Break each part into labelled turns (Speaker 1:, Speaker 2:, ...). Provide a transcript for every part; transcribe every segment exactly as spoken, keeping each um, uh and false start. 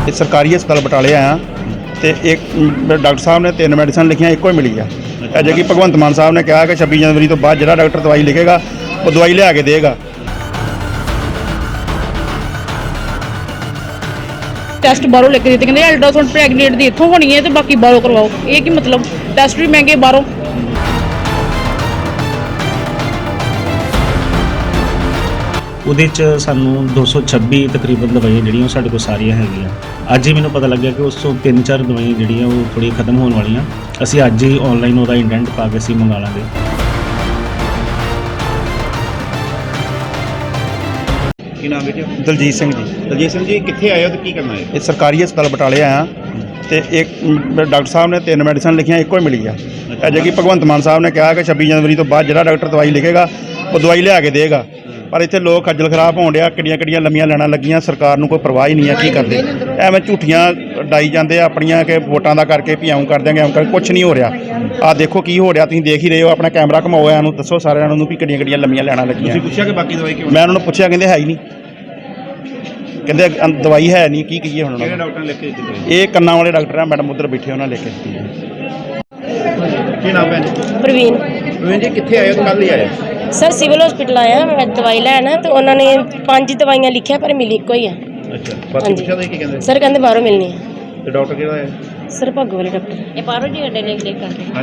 Speaker 1: ਇਹ ਸਰਕਾਰੀ ਹਸਪਤਾਲ ਬਟਾਲੇ ਆਇਆ ਤੇ ਇੱਕ ਡਾਕਟਰ ਸਾਹਿਬ ਨੇ ਤਿੰਨ ਮੈਡੀਸਨ ਲਿਖੀਆਂ, ਇੱਕੋ ਹੀ ਮਿਲੀ ਆ। ਅਜੇ ਕਿ ਭਗਵੰਤ ਮਾਨ ਸਾਹਿਬ ਨੇ ਕਿਹਾ ਕਿ ਛੱਬੀ ਜਨਵਰੀ ਤੋਂ ਬਾਅਦ ਜਿਹੜਾ ਡਾਕਟਰ ਦਵਾਈ ਲਿਖੇਗਾ ਉਹ ਦਵਾਈ ਲਿਆ ਕੇ ਦੇਗਾ।
Speaker 2: ਟੈਸਟ ਬਾਹਰੋਂ ਲੈ ਕੇ ਦਿੱਤੇ, ਕਹਿੰਦੇ ਅਲਟਰਾਸਾਊਂਡ ਪ੍ਰੈਗਨੈਂਟ ਦੀ ਇੱਥੋਂ ਹੋਣੀ ਹੈ ਤੇ ਬਾਕੀ ਬਾਹਰੋਂ ਕਰਵਾਓ। ਇਹ ਕੀ ਮਤਲਬ? ਟੈਸਟ ਵੀ ਮਹਿੰਗੇ ਬਾਹਰੋਂ।
Speaker 3: ਉਹਦੇ 'ਚ ਸਾਨੂੰ ਦੋ ਸੌ ਛੱਬੀ ਤਕਰੀਬਨ ਦਵਾਈਆਂ ਜਿਹੜੀਆਂ ਉਹ ਸਾਡੇ ਕੋਲ ਸਾਰੀਆਂ ਹੈਗੀਆਂ। ਅੱਜ ਹੀ ਮੈਨੂੰ ਪਤਾ ਲੱਗਿਆ ਕਿ ਉਸ ਤੋਂ ਤਿੰਨ ਚਾਰ ਦਵਾਈਆਂ ਜਿਹੜੀਆਂ ਉਹ ਥੋੜ੍ਹੀਆਂ ਖਤਮ ਹੋਣ ਵਾਲੀਆਂ। ਅਸੀਂ ਅੱਜ ਹੀ ਆਨਲਾਈਨ ਉਹਦਾ ਇੰਡੈਂਟ ਪਾ ਕੇ ਅਸੀਂ ਮੰਗਾ ਲਾਂਗੇ।
Speaker 4: ਕੀ ਨਾਮ ਹੈ?
Speaker 1: ਦਲਜੀਤ ਸਿੰਘ ਜੀ।
Speaker 4: ਦਲਜੀਤ ਸਿੰਘ ਜੀ, ਕਿੱਥੇ ਆਏ ਹੋ ਤੇ ਕੀ ਕਰਨਾ ਹੈ?
Speaker 1: ਇਹ ਸਰਕਾਰੀ ਹਸਪਤਾਲ ਬਟਾਲੇ ਆਇਆ ਤੇ ਇੱਕ ਡਾਕਟਰ ਸਾਹਿਬ ਨੇ ਤਿੰਨ ਮੈਡੀਸਨ ਲਿਖੀਆਂ, ਇੱਕੋ ਹੀ ਮਿਲੀ ਆ। ਅਜੇ ਕਿ ਭਗਵੰਤ ਮਾਨ ਸਾਹਿਬ ਨੇ ਕਿਹਾ ਕਿ ਛੱਬੀ ਜਨਵਰੀ ਤੋਂ ਬਾਅਦ ਜਿਹੜਾ ਡਾਕਟਰ ਦਵਾਈ ਲਿਖੇਗਾ ਉਹ ਦਵਾਈ ਲਿਆ ਕੇ ਦੇਗਾ। ਪਰ ਇੱਥੇ ਲੋਕ ਖੱਜਲ ਖਰਾਬ ਹੋਣ ਡਿਆ, ਕਿੱਡੀਆਂ ਕਿੱਡੀਆਂ ਲੰਮੀਆਂ ਲੈਣਾ ਲੱਗੀਆਂ। ਸਰਕਾਰ ਨੂੰ ਕੋਈ ਪਰਵਾਹ ਹੀ ਨਹੀਂ ਆ ਕੀ ਕਰਦੇ। ਐਵੇਂ ਝੂਠੀਆਂ ਡਾਈ ਜਾਂਦੇ ਆ ਆਪਣੀਆਂ ਕਿ ਵੋਟਾਂ ਦਾ ਕਰਕੇ ਵੀ ਆਉਂ ਕਰ ਦਿਆਂਗੇ, ਆਉਂ ਕਰ ਕੁਛ ਨਹੀਂ ਹੋ ਰਿਹਾ। ਆਹ ਦੇਖੋ ਕੀ ਹੋ ਰਿਹਾ, ਤੁਸੀਂ ਦੇਖ ਹੀ ਰਹੇ ਹੋ। ਆਪਣਾ ਕੈਮਰਾ ਘਮਾਓ, ਇਹਨੂੰ ਦੱਸੋ ਸਾਰਿਆਂ ਨੂੰ ਵੀ ਕਿੱਡੀਆਂ ਕਿੱਡੀਆਂ ਲੰਮੀਆਂ ਲੈਣਾ ਲੱਗੀਆਂ।
Speaker 4: ਤੁਸੀਂ ਪੁੱਛਿਆ ਕਿ ਬਾਕੀ ਦਵਾਈ ਕਿਉਂ?
Speaker 1: ਮੈਂ ਉਹਨਾਂ ਨੂੰ ਪੁੱਛਿਆ, ਕਹਿੰਦੇ ਹੈ ਹੀ ਨਹੀਂ, ਕਹਿੰਦੇ ਅੰ- ਦਵਾਈ ਹੈ ਨਹੀਂ। ਕੀ ਕਹੀਏ ਹੁਣ?
Speaker 4: ਕਿਹੜੇ ਡਾਕਟਰ ਨੇ ਲਿਖ ਕੇ ਦਿੱਤੀ?
Speaker 1: ਇਹ ਕੰਨਾਂ ਵਾਲੇ ਡਾਕਟਰ ਆ ਮੈਡਮ, ਉੱਧਰ ਬੈਠੇ, ਉਹਨਾਂ ਲਿਖ ਕੇ ਦਿੱਤੀ ਹੈ।
Speaker 4: ਕੀ ਨਾਮ ਹੈ?
Speaker 5: ਪ੍ਰਵੀਨ।
Speaker 4: ਪ੍ਰਵੀਨ ਜੀ, ਕਿੱਥੇ ਆਏ ਹੋ? ਕੱਲ੍ਹ ਹੀ ਆਏ?
Speaker 5: ਸਰ ਸਿਵਲ ਹਸਪੀਟਲ ਆਇਆ ਮੈਂ ਦਵਾਈ ਲੈਣ, ਤੇ ਉਹਨਾਂ ਨੇ ਪੰਜ ਦਵਾਈਆਂ ਲਿਖਿਆ ਪਰ ਮਿਲੀ ਇੱਕੋ ਹੀ ਆ।
Speaker 4: ਅੱਛਾ, ਬਾਕੀ ਪੁੱਛਿਆ ਤੁਸੀਂ ਕੀ ਕਹਿੰਦੇ?
Speaker 5: ਸਰ ਕਹਿੰਦੇ ਬਾਹਰੋਂ ਮਿਲਣੀ ਹੈ।
Speaker 4: ਤੇ ਡਾਕਟਰ ਕਿਹੜਾ ਹੈ?
Speaker 5: ਸਰ ਭੱਗੂ ਵਾਲੇ ਡਾਕਟਰ। ਇਹ ਬਾਹਰੋਂ ਜੀ ਅੱਡੇ ਲਿਖ ਲਿਖ ਕਰਦੇ।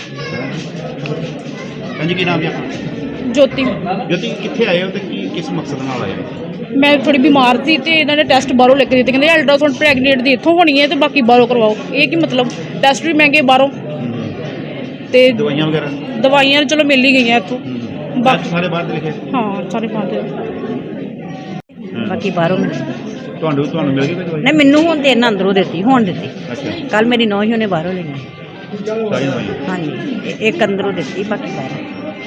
Speaker 4: ਹਾਂਜੀ, ਕੀ ਨਾਮ ਹੈ ਆਪਣਾ?
Speaker 2: ਜੋਤੀ।
Speaker 4: ਜੋਤੀ, ਕਿੱਥੇ ਆਏ ਹੋ ਤੇ ਕੀ ਕਿਸ ਮਕਸਦ ਨਾਲ ਆਏ ਹੋ?
Speaker 2: ਮੈਂ ਥੋੜੀ ਬਿਮਾਰ ਸੀ ਤੇ ਇਹਨਾਂ ਨੇ ਟੈਸਟ ਬਾਹਰੋਂ ਲੈ ਕੇ ਦਿੱਤੇ, ਕਹਿੰਦੇ ਅਲਟਰਾਸਾਊਂਡ ਪ੍ਰੈਗਨੈਂਟ ਦੀ ਇੱਥੋਂ ਹੋਣੀ ਹੈ ਤੇ ਬਾਕੀ ਬਾਹਰੋਂ ਕਰਵਾਓ। ਇਹ ਕੀ ਮਤਲਬ? ਟੈਸਟ ਵੀ ਮਹਿੰਗੇ ਬਾਹਰੋਂ ਤੇ
Speaker 4: ਦਵਾਈਆਂ ਵਗੈਰਾ?
Speaker 2: ਦਵਾਈਆਂ ਚਲੋ ਮਿਲ ਹੀ ਗਈਆਂ ਇੱਥੋਂ।
Speaker 4: ਬਾਕੀ ਸਾਰੇ ਬਾਹਰ ਦੇ ਲਿਖੇ?
Speaker 2: ਹਾਂ, ਸਾਰੇ ਪਾਉਂਦੇ।
Speaker 6: ਬਾਕੀ ਬਾਹਰੋਂ ਮਿਲ
Speaker 4: ਤੁਹਾਨੂੰ ਤੁਹਾਨੂੰ ਮਿਲ ਗਈ ਕੋਈ ਦਵਾਈ?
Speaker 6: ਨਹੀਂ, ਮੈਨੂੰ ਹੁਣ ਤੇ ਇਹਨਾਂ ਅੰਦਰੋਂ ਦਿੱਤੀ, ਹੁਣ ਦਿੱਤੀ।
Speaker 4: ਅੱਛਾ,
Speaker 6: ਕੱਲ ਮੇਰੀ ਨੌਂ ਹੀ ਉਹਨੇ ਬਾਹਰੋਂ ਲਈ।
Speaker 4: ਸਾਰੀਆਂ ਦਵਾਈਆਂ?
Speaker 6: ਹਾਂਜੀ, ਇਹ- ਇੱਕ ਅੰਦਰੋਂ ਦਿੱਤੀ, ਬਾਕੀ ਬਾਹਰੋਂ।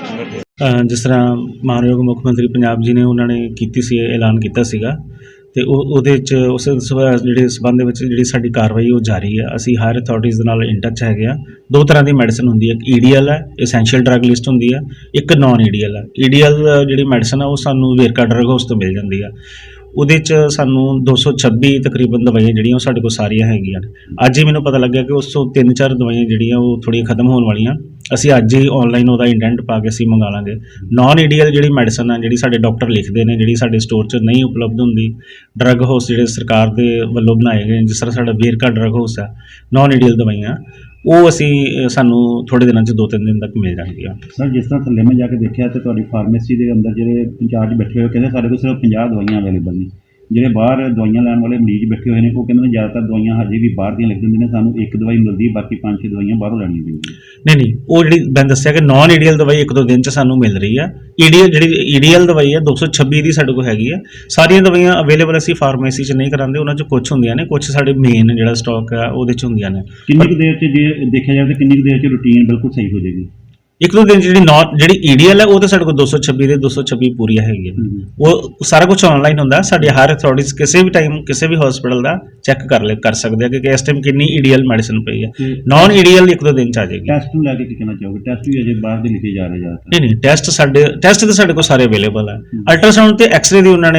Speaker 3: ਅ, ਜਿਸ ਤਰ੍ਹਾਂ ਮਾਨਯੋਗ ਮੁੱਖ ਮੰਤਰੀ ਪੰਜਾਬ ਜੀ ਨੇ ਉਹਨਾਂ ਨੇ ਕੀਤੀ ਸੀ, ਐਲਾਨ ਕੀਤਾ ਸੀਗਾ, ਤੇ ਉਹ ਉਹਦੇ 'ਚ ਉਸ ਸਬੰ- ਜਿਹੜੇ ਸਬੰਧ ਦੇ ਵਿੱਚ ਜਿਹੜੀ ਸਾਡੀ ਕਾਰਵਾਈ ਉਹ ਜਾਰੀ ਹੈ। ਅਸੀਂ ਹਾਇਰ ਅਥਾਰਟੀਜ਼ ਦੇ ਨਾਲ ਇਨ ਟੱਚ ਹੈਗੇ ਆ। ਦੋ ਤਰ੍ਹਾਂ ਦੀ ਮੈਡੀਸਨ ਹੁੰਦੀ ਹੈ, ਇੱਕ ਈ ਡੀ ਐਲ ਹੈ, ਐਸੈਂਸ਼ੀਅਲ ਡਰੱਗ ਲਿਸਟ ਹੁੰਦੀ ਹੈ, ਇੱਕ ਨਾਨ ਈ ਡੀ ਐਲ ਹੈ। ਈ ਡੀ ਐਲ ਜਿਹੜੀ ਮੈਡੀਸਨ ਆ ਉਹ ਸਾਨੂੰ ਵੇਰਕਾ ਡਰੱਗ ਹਾਊਸ ਤੋਂ ਮਿਲ ਜਾਂਦੀ ਆ। ਉਹਦੇ 'ਚ ਸਾਨੂੰ ਦੋ ਸੌ ਛੱਬੀ ਤਕਰੀਬਨ ਦਵਾਈਆਂ ਜਿਹੜੀਆਂ ਉਹ ਸਾਡੇ ਕੋਲ ਸਾਰੀਆਂ ਹੈਗੀਆਂ। ਅੱਜ ਹੀ ਮੈਨੂੰ ਪਤਾ ਲੱਗਿਆ ਕਿ ਉਸ ਤੋਂ ਤਿੰਨ ਚਾਰ ਦਵਾਈਆਂ ਜਿਹੜੀਆਂ ਉਹ ਥੋੜ੍ਹੀਆਂ ਖਤਮ ਹੋਣ ਵਾਲੀਆਂ। ਅਸੀਂ ਅੱਜ ਹੀ ਆਨਲਾਈਨ ਉਹਦਾ ਇੰਡੈਂਟ ਪਾ ਕੇ ਅਸੀਂ ਮੰਗਾ ਲਾਂਗੇ। ਨਾਨ ਈ ਡੀ ਐਲ ਜਿਹੜੀ ਮੈਡੀਸਨ ਆ, ਜਿਹੜੀ ਸਾਡੇ ਡਾਕਟਰ ਲਿਖਦੇ ਨੇ, ਜਿਹੜੀ ਸਾਡੇ ਸਟੋਰ 'ਚ ਨਹੀਂ ਉਪਲਬਧ ਹੁੰਦੀ, ਡਰੱਗ ਹਾਊਸ ਜਿਹੜੇ ਸਰਕਾਰ ਦੇ ਵੱਲੋਂ ਬਣਾਏ ਗਏ, ਜਿਸ ਤਰ੍ਹਾਂ ਸਾਡਾ ਵੇਰਕਾ ਡਰੱਗ ਹਾਊਸ ਆ, ਨਾਨ ਈ ਡੀ ਐਲ ਦਵਾਈਆਂ ਉਹ ਅਸੀਂ ਸਾਨੂੰ ਥੋੜ੍ਹੇ ਦਿਨਾਂ 'ਚ ਦੋ ਤਿੰਨ ਦਿਨ ਤੱਕ ਮਿਲ ਜਾਣਗੀਆਂ।
Speaker 7: ਸਰ, ਜਿਸ ਤਰ੍ਹਾਂ ਥੱਲੇ ਮੈਂ ਜਾ ਕੇ ਦੇਖਿਆ ਤੇ ਤੁਹਾਡੀ ਫਾਰਮੇਸੀ ਦੇ ਅੰਦਰ ਜਿਹੜੇ ਇੰਚਾਰਜ ਬੈਠੇ ਹੋਏ ਕਹਿੰਦੇ ਸਾਡੇ ਕੋਲ ਸਿਰਫ ਪੰਜਾਹ ਦਵਾਈਆਂ ਅਵੇਲੇਬਲ ਨੇ। ਜਿਹੜੇ ਬਾਹਰ ਦਵਾਈਆਂ ਲੈਣ ਵਾਲੇ ਮਰੀਜ਼ ਬੈਠੇ ਹੋਏ ਨੇ ਉਹ ਕਹਿੰਦੇ ਨੇ ਜ਼ਿਆਦਾਤਰ ਦਵਾਈਆਂ ਹਜੇ ਵੀ ਬਾਹਰ ਦੀਆਂ ਲਿਖ ਦਿੰਦੇ ਨੇ, ਸਾਨੂੰ ਇੱਕ ਦਵਾਈ ਮਿਲਦੀ, ਬਾਕੀ ਪੰਜ ਛੇ ਦਵਾਈਆਂ ਬਾਹਰੋਂ ਲੈਣੀਆਂ ਪੈਂਦੀਆਂ।
Speaker 3: ਨਹੀਂ ਨਹੀਂ, ਉਹ ਜਿਹੜੀ ਮੈਂ ਦੱਸਿਆ ਕਿ ਨਾਨ ਈ ਡੀ ਐਲ ਦਵਾਈ ਇੱਕ ਦੋ ਦਿਨ 'ਚ ਸਾਨੂੰ ਮਿਲ ਰਹੀ ਆ। ਈ ਡੀ ਐਲ ਜਿਹੜੀ ਈ ਡੀ ਐਲ ਦਵਾਈ ਹੈ ਦੋ ਸੌ ਛੱਬੀ ਦੀ ਸਾਡੇ ਕੋਲ ਹੈਗੀ ਆ। ਸਾਰੀਆਂ ਦਵਾਈਆਂ ਅਵੇਲੇਬਲ ਅਸੀਂ ਫਾਰਮੇਸੀ 'ਚ ਨਹੀਂ ਕਰਾਉਂਦੇ, ਉਹਨਾਂ 'ਚ ਕੁਛ ਹੁੰਦੀਆਂ ਨੇ, ਕੁਛ ਸਾਡੇ ਮੇਨ ਜਿਹੜਾ ਸਟਾਕ ਆ ਉਹਦੇ 'ਚ ਹੁੰਦੀਆਂ ਨੇ।
Speaker 7: ਕਿੰਨੀ ਕੁ ਦੇਰ 'ਚ ਜੇ ਦੇਖਿਆ ਜਾਵੇ ਤਾਂ ਕਿੰਨੀ ਕੁ ਦੇਰ 'ਚ ਰੂਟੀਨ ਬਿਲਕੁਲ ਸਹੀ ਹੋ ਜਾਏਗੀ?
Speaker 3: ਇੱਕ ਦੋ ਦਿਨ 'ਚ ਜਿਹੜੀ ਨਾਨ ਜਿਹੜੀ ਈ ਡੀ ਐਲ ਹੈ ਉਹ ਤਾਂ ਸਾਡੇ ਕੋਲ ਦੋ ਸੌ ਛੱਬੀ ਦੇ ਦੋ ਸੌ ਛੱਬੀ ਪੂਰੀਆਂ ਹੈਗੀਆਂ। ਉਹ ਸਾਰਾ ਕੁਝ ਆਨਲਾਈਨ ਹੁੰਦਾ। ਸਾਡੀ ਹਾਇਰ ਅਥਾਰਟੀਜ਼ ਕਿਸੇ ਵੀ ਟਾਈਮ ਕਿਸੇ ਵੀ ਹਸਪੀਟਲ ਦਾ ਚੈੱਕ ਕਰ ਲੈ ਕਰ ਸਕਦੇ ਆ ਕਿ ਇਸ ਟਾਈਮ ਕਿੰਨੀ ਈ ਡੀ ਐਲ ਮੈਡੀਸਨ ਪਈ ਹੈ। ਨਾਨ ਈ ਡੀ ਐਲ ਇੱਕ ਦੋ ਦਿਨ 'ਚ ਆ ਜਾਏਗੀ।
Speaker 7: ਟੈਸਟ ਨੂੰ ਲੈ ਕੇ ਕੀ ਕਹਿਣਾ ਚਾਹੋਗੇ? ਟੈਸਟ ਵੀ ਅਜੇ ਬਾਹਰ ਦੇ ਲਿਖੇ ਜਾ ਰਹੇ ਜ਼ਿਆਦਾਤਰ।
Speaker 3: ਨਹੀਂ ਨਹੀਂ, ਟੈਸਟ ਸਾਡੇ ਟੈਸਟ ਤਾਂ ਸਾਡੇ ਕੋਲ ਸਾਰੇ ਅਵੇਲੇਬਲ ਹੈ। ਅਲਟਰਾਸਾਊਂਡ ਤੇ ਐਕਸ-ਰੇ ਦੀ ਉਹਨਾਂ ਨੇ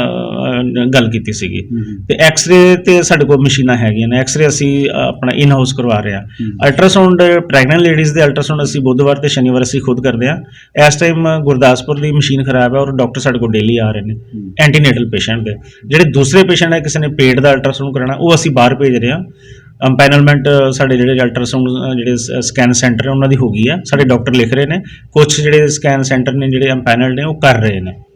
Speaker 3: ਅ, ਗੱਲ ਕੀਤੀ ਸੀਗੀ, ਤੇ ਐਕਸ-ਰੇ ਤੇ ਸਾਡੇ ਕੋਲ ਮਸ਼ੀਨਾਂ ਹੈਗੀਆਂ ਨੇ। ਐਕਸ-ਰੇ ਅਸੀਂ ਆਪਣਾ ਇਨ ਹਾਊਸ ਕਰਵਾ ਰਹੇ ਹਾਂ। ਅਲਟਰਾਸਾਊਂਡ ਪ੍ਰੈਗਨੈਂਟ ਲੇਡੀਜ਼ ਦੇ ਅਲਟਰਾਸਾਊਂਡ ਅਸੀਂ ਬੁੱਧਵਾਰ ਤੇ ਸ਼ਨੀਵਾਰ ਅਸੀਂ ਖੁਦ ਕਰਦੇ ਆ। ਇਸ ਟਾਈਮ ਗੁਰਦਾਸਪੁਰ ਦੀ ਮਸ਼ੀਨ ਖਰਾਬ ਹੈ ਔਰ ਡਾਕਟਰ ਸਾਡੇ ਕੋਲ ਡੇਲੀ ਆ ਰਹੇ ਨੇ ਐਂਟੀਨੇਟਲ ਪੇਸ਼ੈਂਟ ਦੇ। ਜਿਹੜੇ ਦੂਸਰੇ ਪੇਸ਼ੈਂਟ ਹੈ, ਕਿਸੇ ਨੇ ਪੇਟ ਦਾ ਅਲਟਰਾਸਾਊਂਡ ਕਰਾਉਣਾ, ਉਹ ਅਸੀਂ ਬਾਹਰ ਭੇਜ ਰਹੇ ਹਾਂ। ਅੰਪੈਨਲਮੈਂਟ ਸਾਡੇ ਜਿਹੜੇ ਅਲਟਰਾਸਾਊਂਡ ਜਿਹੜੇ ਸਕੈਨ ਸੈਂਟਰ ਹੈ ਉਹਨਾਂ ਦੀ ਹੋ ਗਈ ਆ। ਸਾਡੇ ਡਾਕਟਰ ਲਿਖ ਰਹੇ ਨੇ, ਕੁਝ ਜਿਹੜੇ ਸਕੈਨ ਸੈਂਟਰ ਨੇ ਜਿਹੜੇ ਅੰਪੈਨਲਡ ਨੇ ਉਹ ਕਰ ਰਹੇ ਨੇ।